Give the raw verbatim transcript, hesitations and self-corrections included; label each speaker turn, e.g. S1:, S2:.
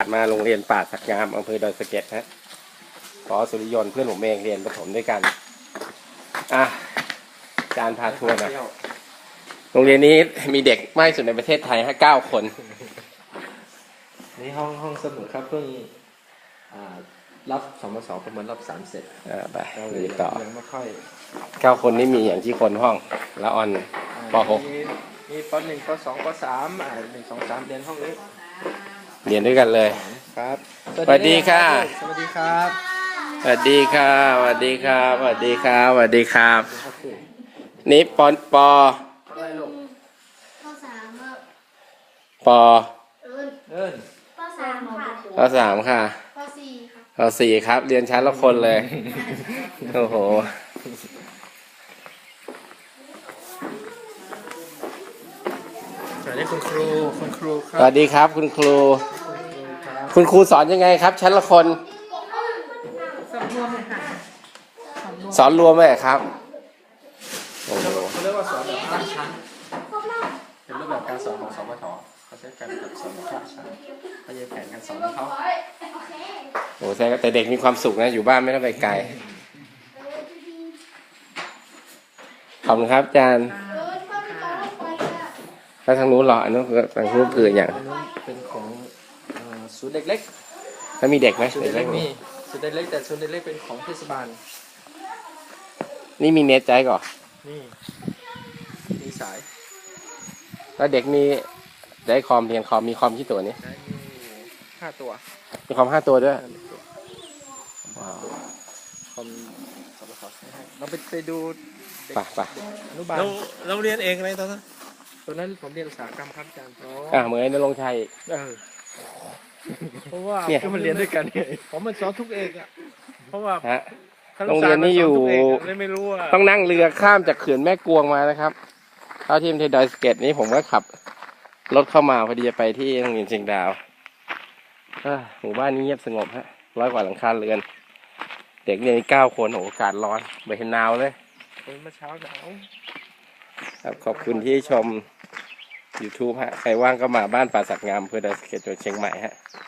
S1: มาโรงเรียนป่าสักงามอำเภอดอยสะเก็ดฮะขอสุริยนต์เพื่อนผมเองเรียนประถมด้วยกันอ่ะอาจารย์พาทัวร์หน่อยโรงเรียนนี้มีเด็กมากที่สุดในประเทศไทยฮะเก้าคน
S2: นี่ห้องห้องสมุดครับเพิ่งรับสมศประเมินรอบสามเสร็จ
S1: อ่าไป
S2: เรียนต่อยังไม่ค่อย
S1: เก้าคนนี้มีอย่างที่คนห้องละออนป .หก
S2: มีป .หนึ่ง ป .สอง ป .สามอ่าหนึ่ง สอง สามเรียนห้องนี้
S1: เรียนด้วยกันเลย
S2: ครับ
S1: สวัสดีค่ะ
S2: สวัสดีครับ
S1: สวัสดีค่ะสวัสดีครับสวัสดีครับสวัสดีครับนี่ปอนปอ
S2: อะไรลูก
S3: ปสาม
S1: ปอ
S2: เอิญเอิญ
S3: ปสามค่ะ
S1: ปสามค่ะ
S3: ปสี่ค่ะ
S1: ปสี่ครับเรียนชั้นละคนเลยโอ้โห
S2: สวัสดีคุณครูคุณครูครับ
S1: สวัสดีครับคุณครูคุณครูสอนยังไงครับชั้นละคน
S3: สอนรวมเลยค่ะ
S1: สอนรวมไหมครับโอ้โห
S2: เขาเรียกว่าสอนแบบห้าชั้นเป็นรูปแบบการสอนของสปทเขาใช้การแบบสอนแบบห้าชั้นเขาจะแผนการสอนของเขา
S1: โอ้แต่เด็กมีความสุขนะอยู่บ้านไม่ต้องไปไกลขอบคุณครับอาจารย์ถ้าทางนู้นหรออันนู้นทางนู้นคืออย่าง
S2: เป็นของศูนย์เด็กเล็ก
S1: แล้วมีเด็กไหม
S2: ศูนย์เด็กเล็กมีศูนย์เด็กเล็กแต่ศูนย์เด็กเล็กเป็นของเทศบาล
S1: นี่มีเน็ตใจก่อน
S2: นี่มีสาย
S1: แล้วเด็กมีได้คอมเรียนคอมมีคอมที่ตัวนี้
S2: ได้มีห้าตัว
S1: มีคอมห้าตัวด้วย
S2: ว้าวคอมสปทให้เราไปไปดู
S1: ป่ะป่ะ
S2: อนุบาลเราเราเรียนเองอะไรตอนนั้นตอนนั้นผมเรียนอุตสาหกรรมครับอาจารย์
S1: อ่าเหมือนนรงชัย
S2: เออเพราะว่าก็มันเรียนด้วยกันผมมันสอนทุกเอกอ่ะเพราะว่า
S1: โรงเรียนนี้อยู่
S2: ไม่รู้ว่า
S1: ต้องนั่งเรือข้ามจากเขื่อนแม่กวงมานะครับเข้าที่อำเภอดอยสะเก็ดนี้ผมก็ขับรถเข้ามาพอดีจะไปที่โรงเรียนเชียงดาวหมู่บ้านนี้เงียบสงบฮะร้อยกว่าหลังคาเรือนเด็กเรียนเก้าคนโอ้อากาศร้อนไม่เห็นหนาวเลย
S2: เมื่อเช้าหนาว
S1: ครับขอบคุณที่ชม YouTube ฮะใครว่างก็มาบ้านป่าสักงามอำเภอดอยสะเก็ดจังหวัดเชียงใหม่ฮะ